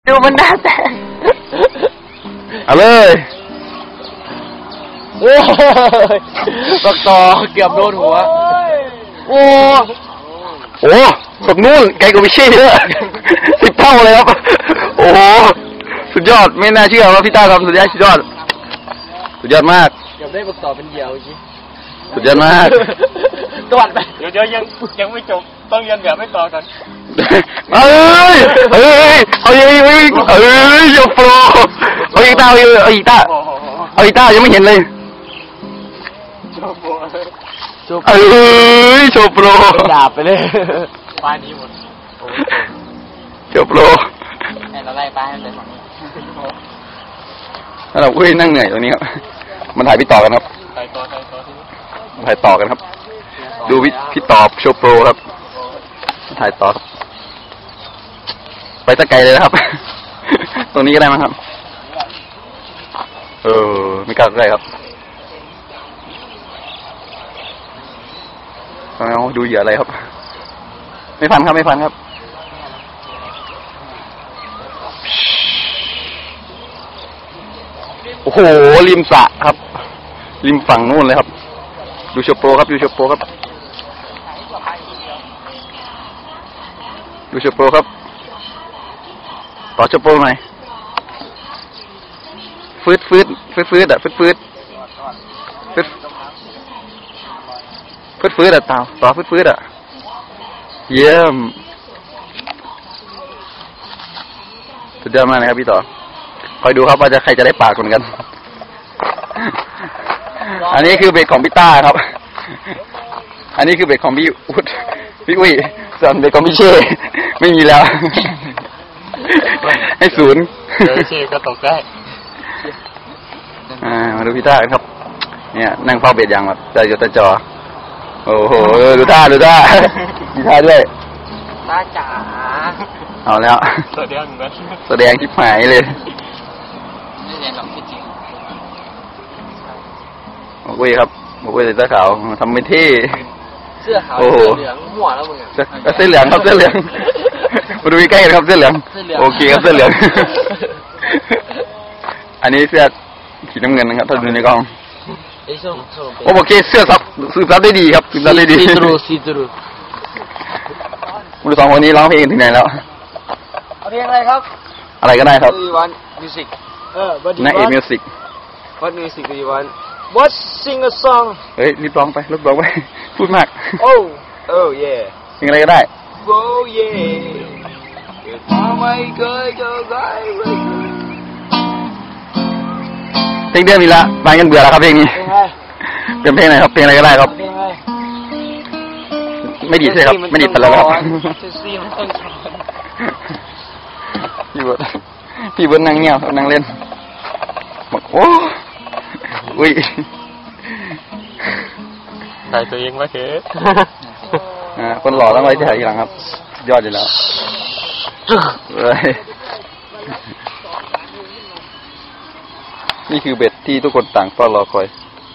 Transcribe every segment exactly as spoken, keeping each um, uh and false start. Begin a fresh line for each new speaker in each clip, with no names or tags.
ดูมันหน้าแตก
เอาเลย
โอ้ยบักต่อเกือบโดนหัวโอ้
โอ้แบบนู้นไกลกว่าพี่เช่เยอะสิบเท่าเลยครับโอ้โหสุดยอดไม่น่าเชื่อว่าพี่ต้าทำสุดยอดสุดยอดสุดยอดมาก
เกือบได้บักต่อเป็นเหยี่ยวจริง
สุดยอดมาก
ตวัดไปเดี๋ยวเดี๋ยวยังยังไม่จบต้องยันแบบไม่ต่อกัน
เอ้ยเอ้ยเอาอีกเอ้ยโยโปรเอาอีกต้าเอาอีกต้าเอาอีกต้ายังไม่เห็นเลยเอ้ยโชโปร
ดาบไปเลยป้ายนี้หมด
โชโปร
ไอ้เราไล่ป้ายเลยฝั่งนี้
แล้วเราอุ้ยนั่งเหนื่อยตรงนี้ครับมันถ่ายพี่ต่อกันครับ
ถ่ายต่อถ่ายต่อ
ถ่ายต่อกันครับดูพี่ต่อโชโปรครับถ่ายต่อไปตะไกลเลยนะครับตรงนี้ก็ได้มั้งครับเออไม่กล้าใกล้ครับเอาดูเหยื่ออะไรครับไม่ฟันครับไม่ฟันครับโอ้โหริมสระครับริมฝั่งนู่นเลยครับดูโชโปรครับดูโชโปรครับดูโชโปรครับต่อโชโปรหน่อยฟืดฟืดฟืดฟืดอ่ะฟืดฟืดฟืดฟืดฟืดอ่ะต่อต่อฟืดฟืดอ่ะเยี่ยมสุดยอดมากนะครับพี่ต่อคอยดูครับว่าจะใครจะได้ปากคนกันอันนี้คือเบ็ดของพี่ต้าครับอันนี้คือเบ็ดของพี่อุ๊ดพี่อุ้ยส่วนเบ็ดของพี่เช่ไม่มีแล้วให้ศูนย์
เดี๋ยวเช่ก็ตกได้
อ่ามาดูพี่ต้าครับเนี่ยนั่งเฝ้าเบ็ดอย่างแบบใจจดใจจ่อโอ้โหดูท่าดูท่ามีท่าด้วย
ต้าจ๋า
เอาแล้ว
แสดงนะ
แสดงทิพหายเลย
ไม่เรียนหรอกจริง
โอ้ยครับโอ้ยใส่เสื้อขาวทำไม่เท่
เสื้อขาวเสื้อเหลืองหัวแล้วมึง
เสื้อเหลืองครับเสื้อเหลืองมาดูใกล้ๆครับเสื้อเหลืองโอเคครับเสื้อเหลืองอันนี้เสื้อสีน้ำเงินนะครับถ้าดูในกล้องโอเคเสื้อซับสืบซับได้ดีครับสืบซับได้ดี
ซีตรูซีตรู
มาดูสองคนนี้ร้องเพลงถึงไหนแล้ว
เอาเพลงอะไรครับ
อะไรก็ได้ครับ
วันมิวสิกเออ
นักเอกมิวสิก
What music do you want What sing a song
เฮ้ยรีบร้องไปรีบร้องไปพูดมาก
Oh Oh yeah
เพลงอะไรก็ได้
Oh yeah ทำไมเคยเจอใคร
เพลงเดือนมีละบางกันเบื่อแล้วครับเพลงนี้เป็นเพลงไหนครับเพลงอะไรก็ได้ครับไม่ดีใช่ครับไม่ดีไปแล้วครับพี่เบิร์ดพี่เบิร์ดนั่งเงียบนั่งเล่นบอกโอ้อุ้ย
ถ่ายตัวเองมาเถอะ
อ่าคนหล่อต้องไว้ที่ถ่ายทีหลังครับยอดอยู่แล้วนี่คือเบ็ดที่ทุกคนต่างเฝ้ารอคอย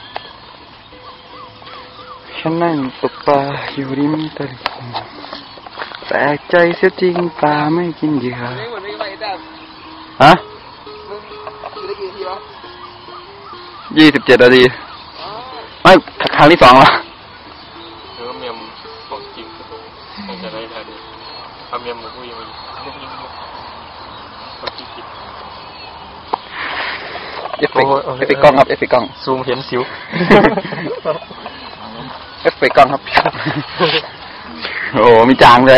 ฉันนั่งตกปลาอยู่ริมตลิ่งแปลกใจเสียจริงปลาไม่กินเหยื่อฮะยี่สิบเจ็ดนาทีไม่ครั้งที่สองละ
เออเมียมบอกจริงคงจะได้ทันทำเมียมหมูกุ้ยมันบอกจริง
เอฟเฟกต์เอฟเฟกต์กล้องครับเอฟเฟกต์กล้อง
ซูมเห็นสิว
เอฟเฟกต์กล้องครับโอ้มีจางเลย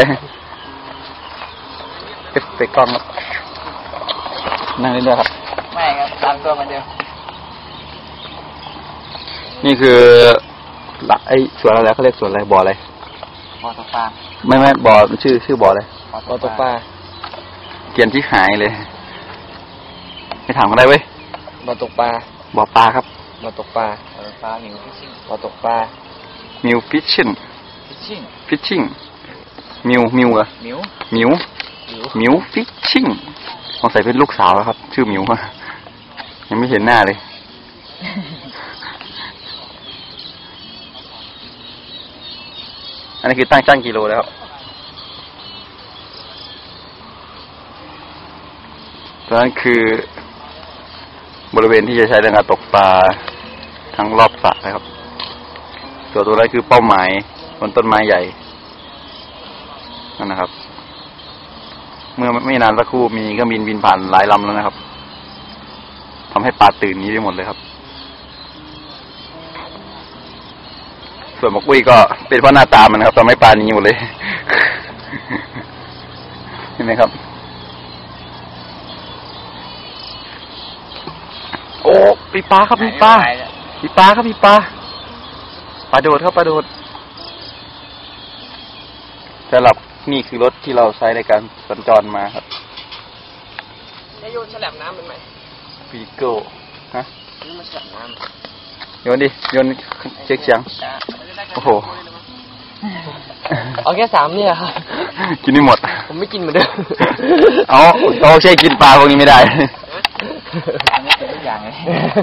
เอฟเฟกต์กล้องครับนั่งเรื่อยๆครับ
ไม่ครับตามตัวมันเดียว
นี่คือไอ้สวนอะไรเขาเรียกสวนอะไรบ่ออะไร
บ่อตกปลา
ไม่ไม่บ่อชื่อชื่อบ่ออะไร
บ่อตกปลา
เกียนที่หายเลยไม่ถามกันได้เว้ย
บ่อตกปลา
บ่อปลาครับ
บ่อตกปลาบ่อตกปลามิวฟิชชิ่งบ่อตกปลา
มิวฟิชชิ่ง
ฟิชชิ่ง
ฟิชชิ่งมิวมิวเหรอ
มิว
มิวมิวฟิชชิ่งสงสัยเป็นลูกสาวแล้วครับชื่อมิวยังไม่เห็นหน้าเลยอันนี้คือตั้งช่างกิโลแล้วตรงนั้นคือบริเวณที่จะใช้ในการตกปลาทั้งรอบสระนะครับส่วนตัวนั้นคือเป้าหมายบนต้นไม้ใหญ่นั่นนะครับเมื่อไม่นานสักครู่มีเครื่องบินบินผ่านหลายลำแล้วนะครับทำให้ปลาตื่นนี้ไปหมดเลยครับส่วนหมกปุ้ยก็เป็นเพราะหน้าตามันนะครับทำให้ปลานี้หมดเลย เห็นไหมครับโอ้ปีปลาครับปีปลาปีปลาครับปีปลาปลาโดดครับปลาโดดสำหรับนี่คือรถที่เราใช้ในการสัญจรมาครับ
จะโยนฉลามน้ำเป็นไหม
ปีโก้ฮะ
นี่มันฉลามน้
ำโยนดิโยนเช็คเสียงโอ้โห
เอาแค่สามเนี่ยครับ
กินไม่หมด
ผมไม่กินเหมือนเดิม
เอาเอาใช่กินปลาพวกนี้ไม่ได้
อันนี้เป็นทุกอย่างเลย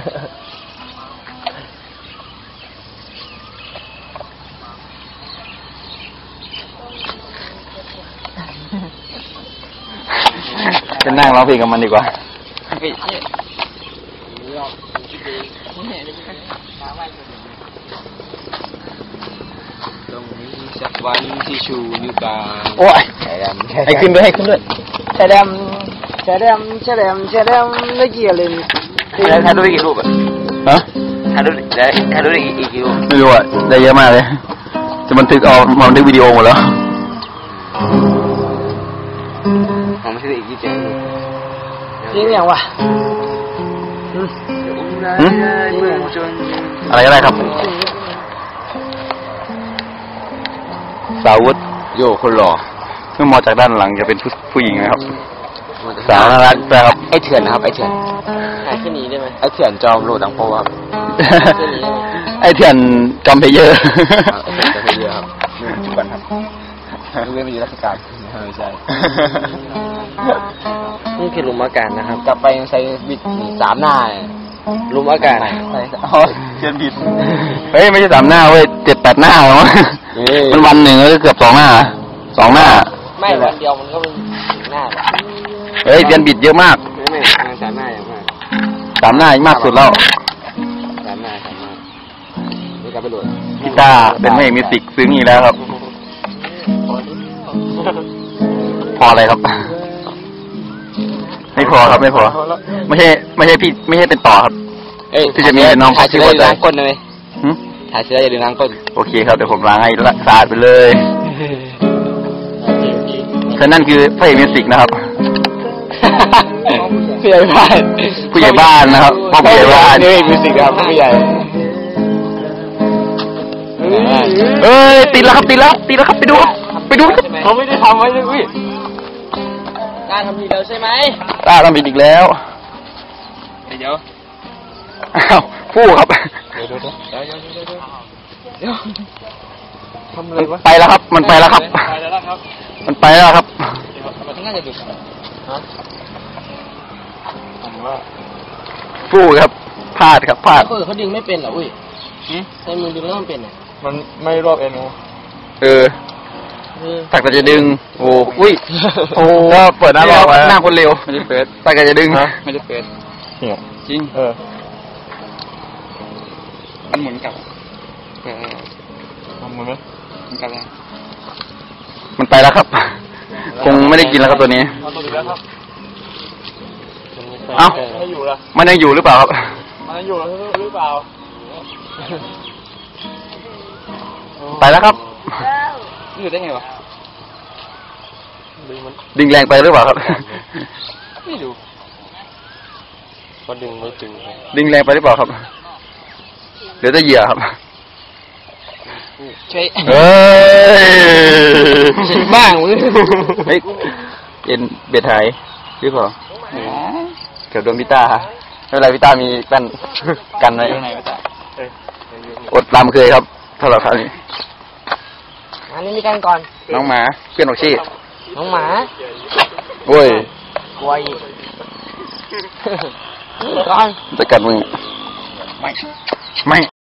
เป็นนั่งร้องเพลงกับมันดีกว่า
ตรงนี้สักวันที่ชูนิ้วกลาง
โอ้ยให้ขึ้นด้วยให้ขึ้นด้วย
แฉลมแฉลมแฉลมแฉลมไม่เกี่ยวเลย
แล้วถ่ายรูปได้กี่รูปอ่ะฮะ
ถ่ายรูปได้ถ่ายรูปได้กี่กี่รูป
ไม่รู้อ่ะได้เยอะมากเลยจะบันทึกเอามาบันทึกวิดีโอหมดแล้ว
ผมไม่ใช่อีกยี่สิบจริงอย่างวะ
อะไรก็ได้ครับสาวดโยคนหล่อเมื่อมองจากด้านหลังจะเป็นผู้ผู้หญิงนะครับสาวน่ารักนะครับ
ไอเถื่อนนะครับไอเถื่อนไอแค่นี้ได้ไหมไอเถื่อนจอมโหลดดังโปครับ
ไอเถื่อนจอมเพเยอร์
จอมเพเยอร์ครับจุบันครับดูเว้นไปอยู่ราชการไม่ใช่นี่คือลุมอากาศนะครับกลับไปยังใช้บิดสามหน้าลุมอากาศ
อ๋อเชียนบิดเฮ้ยไม่ใช่สามหน้าเว้ยเจ็ดแปดหน้าหรอมันวันหนึ่งก็เกือบสองหน้าสองหน้า
ไม่วันเดียวมันก็เป็นหน้า
เฮ้ยเชียนบิดเยอะมาก
ไม่ไม่สามหน้าอย่างมาก
สามหน้ามากสุดแล้ว
สามหน้าสามหน้าไม่กลับไปโหลด
พี่ตาเป็นไม่มีสิกซึ้งอีกแล้วครับพออะไรครับไม่พอครับไม่พอไม่ใช่ไม่ใช่พี่ไม่ใช่เป็นต่อครับที่จะมีน้อง
ถ่ายเชื้ออยู่ล้างก้นเลยถ่ายเชื้ออย่าลืมล้างก้น
โอเคครับเดี๋ยวผมล้างให้สะอาดไปเลยฉะนั้นคือพระเอกมิวสิกนะครับ
ผู้ใหญ่บ้าน
ผู้ใหญ่บ้านนะครับพ่อผู้ใหญ่บ้าน
พระเอกมิวสิกครับผู้ใหญ่
เอ้ยติดแล้วครับติดแล้วติดแล้วครับไปดูไปดู
เขาไม่ได้ทำไว้เลยอุ้ยกล้าทำผิดแล้วใช่ไหม
กล้าทำผิดอีกแล้ว
เดี๋ยว
อ้าวผู้ครับ
เดี๋ยวเดี๋ยวเดี๋ยวเดี๋ยวเดี๋ยวเดี๋ยวทำอะไรวะ
ไปแล้วครับมันไปแล้วครับ
ไปแล้วครับ
มันไปแล้วครับ
มันน่าจะดุฮะผมว่า
ผู้ครับพลาดครับพลาด
เขาเขาดึงไม่เป็นเหรออุ้ยใช้มือดึงแล้วมันเป็นอ่ะ
มันไม่รอบเอ็นโอ
เออตักแต่จะดึงโอ้อุ้ยโอ้เปิดหน้ารอบหน้าคนเร็ว
ไม่ได้เปิด
ตักแต่จะดึง
ไม่ได้เปิด
จริง
เออมันหมุนกลับเออทำมันไหมมันกลับแล้ว
มันไปแล้วครับคงไม่ได้กินแล้วครับตัวนี้เอ้า
ไม่อยู่ละ
มันยังอยู่หรือเปล่าครับ
มันยังอยู่หรือเปล่า
ไปแล้วครับ
อยู่ได้ไงวะ
ดึงแรงไปหรือเปล่าครับ
ไม่ดูก็ดึงไม่ถึง
ดึงแรงไปหรือเปล่าครับเดี๋ยวจะเหยียบครับ
ช่วย
เฮ้
ยบ้างมึง
เฮ้ยเอ็นเบ็ดหายหรือเปล่าเกี่ยวดวงพิต้าไม่เป็นไรพิต้ามีกันกันไว้อดตามเคยครับเท่าไหร่ครับนี่
อันนี้มีกันก่อน
น้องหมาเพื่อนของชี
น้องหมา
โว้ย
กลัวอีกก่อน
จะกัดมึงไม่ไม่